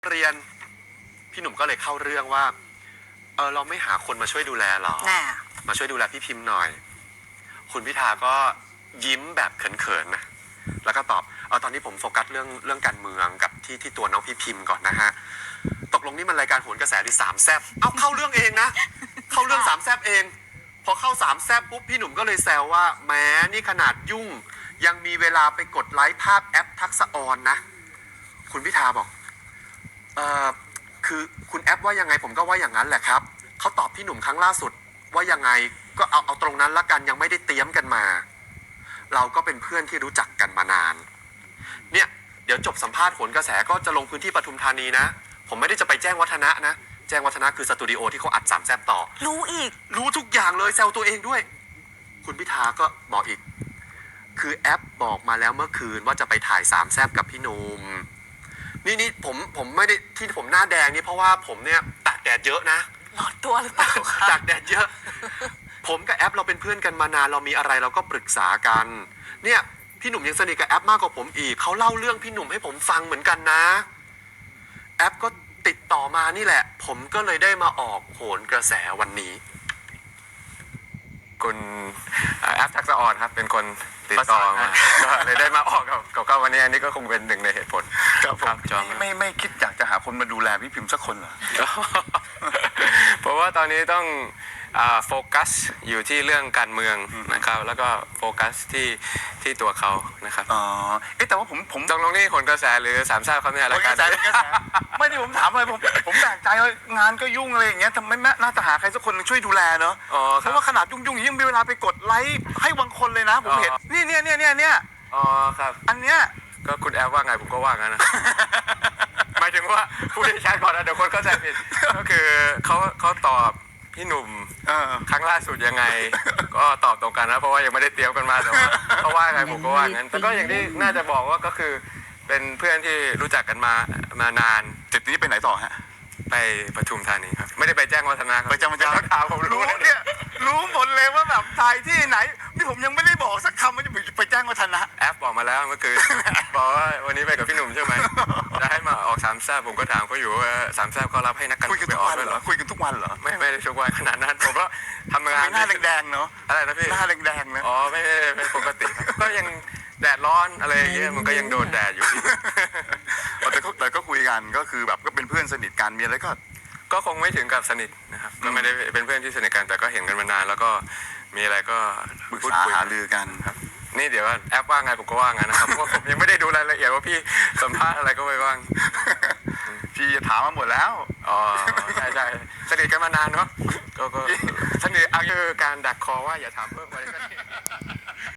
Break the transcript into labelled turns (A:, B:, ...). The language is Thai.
A: เรียนพี่หนุ่มก็เลยเข้าเรื่องว่าเราไม่หาคนมาช่วยดูแลหรอมาช่วยดูแลพี่พิมพ์หน่อยคุณพิธาก็ยิ้มแบบเขินๆนะแล้วก็ตอบตอนนี้ผมโฟกัสเรื่องการเมืองกับที่ตัวน้องพี่พิมพ์ก่อนนะฮะตกลงนี่มันรายการโหนกระแสหรือสามแซบเข้าเรื่องเองนะเข้าเรื่องสามแซบเองพอเข้าสามแซบปุ๊บพี่หนุ่มก็เลยแซวว่าแม้นี่ขนาดยุ่งยังมีเวลาไปกดไลค์ภาพแอปทักษะออนนะคุณพิธาบอกคือคุณแอปว่ายังไงผมก็ว่าอย่างนั้นแหละครับเขาตอบพี่หนุ่มครั้งล่าสุดว่ายังไงก็เอาตรงนั้นละกันยังไม่ได้เตรียมกันมาเราก็เป็นเพื่อนที่รู้จักกันมานานเนี่ยเดี๋ยวจบสัมภาษณ์โหนกระแสก็จะลงพื้นที่ปทุมธานีนะผมไม่ได้จะไปแจ้งวัฒนะนะแจ้งวัฒนะคือสตูดิโอที่เขาอัดสามแซบต่อรู้ทุกอย่างเลยแซวตัวเองด้วยคุณพิธาก็บอกอีกคือแอปบอกมาแล้วเมื่อคืนว่าจะไปถ่ายสามแซบกับพี่หนุ่มนี่ผมไม่ได้ที่ผมหน้าแดงนี่เพราะว่าผมเนี่ยตากแดดเยอะนะ
B: ร้อนตัวหรือเปล่าคะ
A: ตากแดดเยอะผมกับแอปเราเป็นเพื่อนกันมานานเรามีอะไรเราก็ปรึกษากันเนี่ยพี่หนุ่มยังสนิทกับแอปมากกว่าผมอีกเขาเล่าเรื่องพี่หนุ่มให้ผมฟังเหมือนกันนะแอปก็ติดต่อมานี่แหละผมก็เลยได้มาออกโหนกระแสวันนี้
C: คุณแอปทักษะออนครับเป็นคนติดต่อมาก็เลยได้มาออกกับวันนี้อันนี้ก็คงเป็นหนึ่งในเหตุผล
D: ครับจอมไม่คิดอยากจะหาคนมาดูแลพี่พิมพ์สักคนเหรอ
C: เพราะว่าตอนนี้ต้องโฟกัสอยู่ที่เรื่องการเมืองนะครับแล้วก็โฟกัสที่ตัวเขานะครับ
D: แต่ว่าผม
C: ตรงนี้โหนกระแสหรือสามแซ่บครับเนี่ย
D: รายการไม่ได้ผมถามอะไรผมแปลกใจว่างานก็ยุ่งอะไรอย่างเงี้ยทำไมน่าจะหาใครสักคนช่วยดูแลเนาะเพราะว่าขนาดยุ่งยังมีเวลาไปกดไลค์ให้บางคนเลยนะผมเห็นเนี่ย
C: ครับ
D: อันเนี้ย
C: ก็คุณแอปว่าไงผมก็ว่างั้นนะหมายถึงว่าผู้ที่ใช้ก่อนนะเดี๋ยวคนเข้าใจผิดก็คือเขาตอบพี่หนุ่มครั้งล่าสุดยังไงก็ตอบตรงกันนะเพราะว่ายังไม่ได้เตรียมกันมาแต่ว่าเขาว่าไงผมก็ว่างั้นแต่ก็อย่างที่น่าจะบอกว่าก็คือเป็นเพื่อนที่รู้จักกันมานาน
D: จุดนี้ไปไหนต่อฮะ
C: ไปปทุมธานีครับไม่ได้ไปแจ้งวัฒนะครับ
D: ไปแจ้งวัฒนะ
C: ข่าวผมรู้
D: เนี่ยรู้หมดเลยว่าแบบถ่ายที่ไหนนี่ผมยังไม่ได้บอกสักคำว่าจะไปแจ้งวัฒนะ
C: แอปบอกมาแล้วเมื่อคืนบอกว่าวันนี้ไปกับพี่หนุ่มใช่ไหมจะให้มาออกสามแซ่บผมก็ถามเขาอยู่ว่าสามแซ่บเขารับให้นักการเมืองไปออกด้วยเหรอ
D: คุยกันทุกวันเหรอ
C: ไม่ได้ทุกวันขนาดนั้นผมก็ทำงาน
D: หน้าแดงๆเนาะ
C: อะไรนะพี่
D: หน้าแดงๆนะ
C: ไม่ปกติก็ยังแดดร้อนอะไรอย่างเงี้ยมันก็ยังโดนแดดอยู่
D: แต่ก็คุยกันก็คือแบบก็เป็นเพื่อนสนิทกันมีอะไร
C: ก็คงไม่ถึงกับสนิทนะครับก็ไม่ได้เป็นเพื่อนที่สนิทกันแต่ก็เห็นกันมานานแล้วก็มีอะไรก็
D: ปรึกษาหารือกัน
C: ครับนี่เดี๋ยวแอปว่าไงผมก็ว่างั้นนะครับเพราะผมยังไม่ได้ดูรายละเอียดว่าพี่สัมภาษณ์อะไรก็ไม่ว่าง
D: พี่จะถามมาหมดแล้ว
C: ใช่สนิทกันมานานเนาะก็สนิทเอาคือการดักคอว่าอย่าถามเพิ่มอะไรก็ได้